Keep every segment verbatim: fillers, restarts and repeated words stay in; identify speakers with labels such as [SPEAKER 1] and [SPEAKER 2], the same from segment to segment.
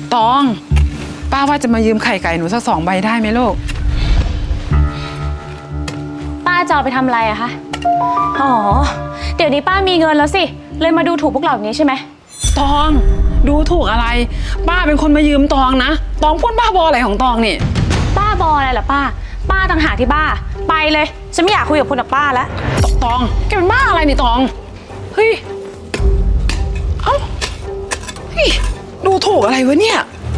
[SPEAKER 1] ตองป้าว่าจะมายืมไข่ไก่หนูสักสองใบได้ไหมลูก
[SPEAKER 2] ป้าจะเอาไปทำอะไรอะคะอ๋อเดี๋ยวนี้ป้ามีเงินแล้วสิเลยมาดูถูกพวกเราแบบนี้ใช่ไหม
[SPEAKER 1] ตองดูถูกอะไรป้าเป็นคนมายืมตองนะตองพูดบ้าบออะไรของตองนี่
[SPEAKER 2] บ้าบออะไรเหรอป้าป้าต่างหากที่บ้าไปเลยฉันไม่อยากคุยกับคุณกับป้าแล้ว
[SPEAKER 1] ตองแกเป็นบ้าอะไรนี่ตองเฮ้ยเอ้าเฮ้ยดูถูกอะไรวะเนี่ย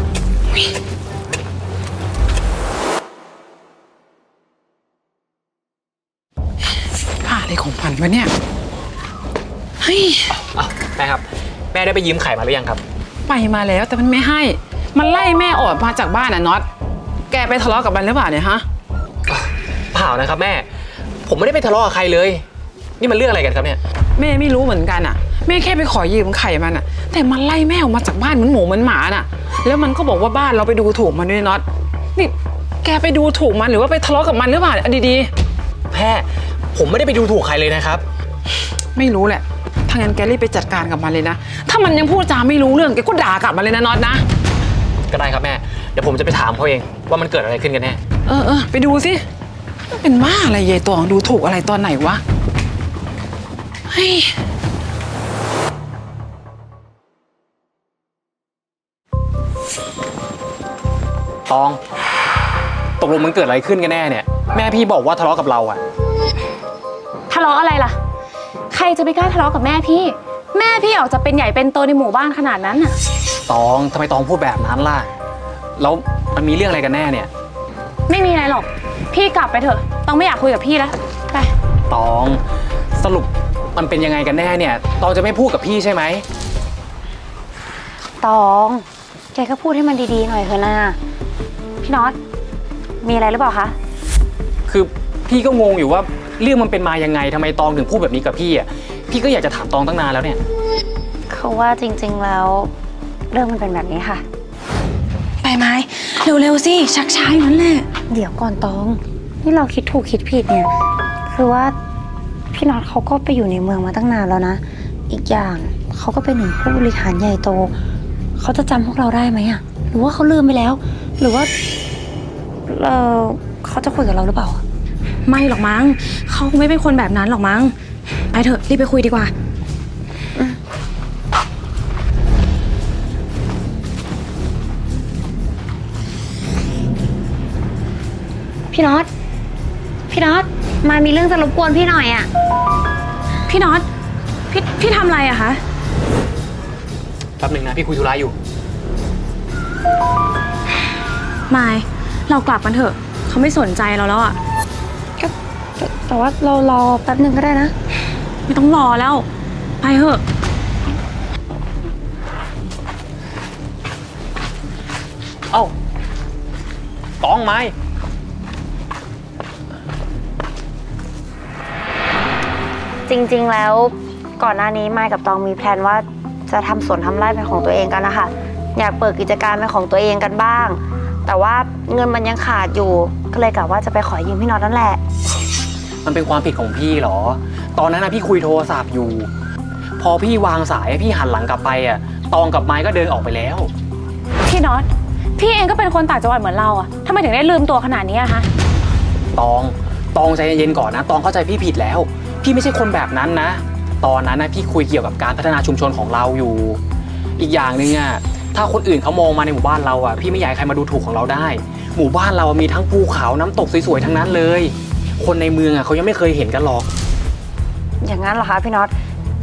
[SPEAKER 1] บ้าอะไรของมันวะเนี่ยเฮ้ย
[SPEAKER 3] แม่ครับแม่ได้ไปยืมไข่มาหรือยังครับ
[SPEAKER 1] ไปมาแล้วแต่มันไม่ให้มันไล่แม่ออกมาจากบ้านน่ะน็อตแกไปทะเลาะกับมันหรือเปล่าเนี่ยฮะ
[SPEAKER 3] เปล่านะครับแม่ผมไม่ได้ไปทะเลาะกับใครเลยนี่มันเรื่องอะไรกันครับเนี่ย
[SPEAKER 1] แม่ไม่รู้เหมือนกันอ่ะแม่แค่ไปขอยืมไข่มันอ่ะแต่มันไล่แม่ออกมาจากบ้านเหมือนหมูเหมือนหมาน่ะแล้วมันก็บอกว่าบ้านเราไปดูถูกมันด้วยน็อตนี่แกไปดูถูกมันหรือว่าไปทะเลาะกับมันหรือเปล่าดี
[SPEAKER 3] ๆแม่ผมไม่ได้ไปดูถูกใครเลยนะครับ
[SPEAKER 1] ไม่รู้แหละถ้างั้นแกรีบไปจัดการกับมันเลยนะถ้ามันยังพูดจาไม่รู้เรื่องแกก็ด่ากลับมาเลยนะน็อตนะ
[SPEAKER 3] ก็ได้ครับแม่เดี๋ยวผมจะไปถามเขาเองว่ามันเกิดอะไรขึ้นกันแน่
[SPEAKER 1] เออเออไปดูสิเป็นบ้าอะไรยายตองดูถูกอะไรตอนไหนวะเฮ้ย
[SPEAKER 3] ตองตกลงมันเกิดอะไรขึ้นกันแน่เนี่ยแม่พี่บอกว่าทะเลาะกับเราอะ
[SPEAKER 2] ทะเลาะอะไรล่ะใครจะไปกล้าทะเลาะกับแม่พี่แม่พี่ออกจะเป็นใหญ่เป็นโตในหมู่บ้านขนาดนั้นน่ะ
[SPEAKER 3] ตองทำไมตองพูดแบบนั้นล่ะแล้วมันมีเรื่องอะไรกันแน่เนี่ย
[SPEAKER 2] ไม่มีอะไรหรอกพี่กลับไปเถอะต้องไม่อยากคุยกับพี่แล้วไป
[SPEAKER 3] ตองสรุปมันเป็นยังไงกันแน่เนี่ยตองจะไม่พูดกับพี่ใช่ไหม
[SPEAKER 2] ตองแกก็พูดให้มันดีๆหน่อยเถอะนะพี่น็อตมีอะไรหรือเปล่าคะ
[SPEAKER 3] คือพี่ก็งงอยู่ว่าเรื่องมันเป็นมายังไงทำไมตองถึงพูดแบบนี้กับพี่อ่ะพี่ก็อยากจะถามตองตั้งนานแล้วเนี่ย
[SPEAKER 2] เขาว่าจริงๆแล้วเรื่องมันเป็นแบบนี้ค่ะ
[SPEAKER 4] ไปไหมเร็วๆสิชักช้าอยู่นั่นแหละ
[SPEAKER 2] เดี๋ยวก่อนตองนี่เราคิดถูกคิดผิดเนี่ยคือว่าพี่น็อตเขาก็ไปอยู่ในเมืองมาตั้งนานแล้วนะอีกอย่างเขาก็เป็นหนึ่งผู้บริหารใหญ่โตเขาจะจำพวกเราได้ไหมอะหรือว่าเขาลืมไปแล้วหรือว่าเออเขาจะคุยกับเราหรือเปล่า
[SPEAKER 4] ไม่หรอกมั้งเขาคงไม่เป็นคนแบบนั้นหรอกมั้งไปเถอะรีบไปคุยดีกว่า
[SPEAKER 2] พี่น็อตพี่น็อตมามีเรื่องจะรบกวนพี่หน่อยอะ
[SPEAKER 4] พี่น็อตพี่พี่ทำอะไรอะคะ
[SPEAKER 3] แป๊บหนึ่งนะพี่คุยธุระอยู่
[SPEAKER 4] ไม่เรากลับกันเถอะเขาไม่สนใจเราแล้วอะ
[SPEAKER 2] แต่ว่าเรารอแป๊บหนึ่งก็ได้นะ
[SPEAKER 4] ไม่ต้องรอแล้วไปเถอะ
[SPEAKER 3] เอ้าตองไม้
[SPEAKER 2] จริงๆแล้วก่อนหน้านี้ไมค์กับตองมีแพลนว่าจะทำสวนทำไร่เป็นของตัวเองกันนะคะอยากเปิดกิจการเป็นของตัวเองกันบ้างแต่ว่าเงินมันยังขาดอยู่ก็เลยกะว่าจะไปขอยืมพี่น็อตนั่นแหละ
[SPEAKER 3] มันเป็นความผิดของพี่เหรอตอนนั้นนะพี่คุยโทรศัพท์อยู่พอพี่วางสายพี่หันหลังกลับไปอ่ะตองกับไม้ก็เดินออกไปแล้ว
[SPEAKER 2] พี่น็อตพี่เองก็เป็นคนต่างจังหวัดเหมือนเราอ่ะทำไมถึงได้ลืมตัวขนาดนี้อะคะ
[SPEAKER 3] ตองตองใจเย็นๆก่อนนะตองเข้าใจพี่ผิดแล้วพี่ไม่ใช่คนแบบนั้นนะตอนนั้นนะพี่คุยเกี่ยวกับการพัฒนาชุมชนของเราอยู่อีกอย่างหนึ่งอ่ะถ้าคนอื่นเขามองมาในหมู่บ้านเราอ่ะพี่ไม่อยากให้ใครมาดูถูกของเราได้หมู่บ้านเรามีทั้งภูเขาน้ำตกสวยๆทั้งนั้นเลยคนในเมืองอ่ะเขายังไม่เคยเห็นกันหรอก
[SPEAKER 2] อย่างนั้นเหรอคะพี่น็อต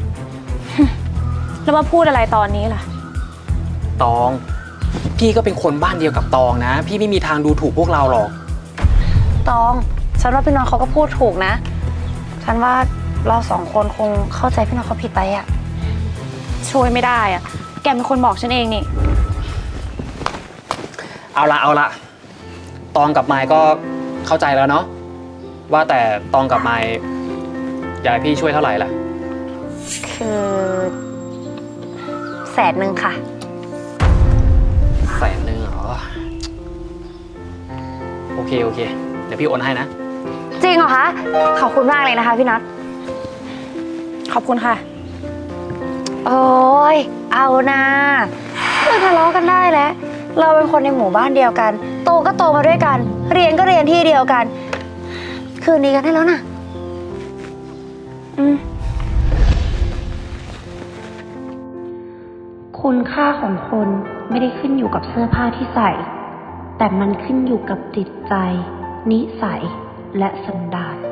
[SPEAKER 2] แล้วมาพูดอะไรตอนนี้ล่ะ
[SPEAKER 3] ตองพี่ก็เป็นคนบ้านเดียวกับตองนะพี่ไม่มีทางดูถูกพวกเราหรอก
[SPEAKER 2] ตองฉันว่าพี่น็อตเขาก็พูดถูกนะฉันว่าเราสองคนคงเข้าใจพี่น็อตเขาผิดไปอ่ะช่วยไม่ได้อ่ะแกเป็นคนบอกฉันเองนี่
[SPEAKER 3] เอาละเอาละตองกับไมค์ก็เข้าใจแล้วเนาะว่าแต่ตองกับไมค์อยากให้พี่ช่วยเท่าไหร่ล่ะ
[SPEAKER 2] คือแสนหนึ่งค่ะ
[SPEAKER 3] แสนหนึ่งเหรอโอเคโอเคเดี๋ยวพี่โอนให้นะ
[SPEAKER 2] จริงเหรอคะขอบคุณมากเลยนะคะพี่น็อต
[SPEAKER 4] ขอบคุณค่ะ
[SPEAKER 2] โอ้ยเอานะเลิกทะเลาะกันได้แล้วเราเป็นคนในหมู่บ้านเดียวกัน โตก็โตมาด้วยกัน เรียนก็เรียนที่เดียวกัน คืนนี้กันได้แล้วนะอืมคุณค่าของคนไม่ได้ขึ้นอยู่กับเสื้อผ้าที่ใส่ แต่มันขึ้นอยู่กับจิตใจ นิสัยและสันดาน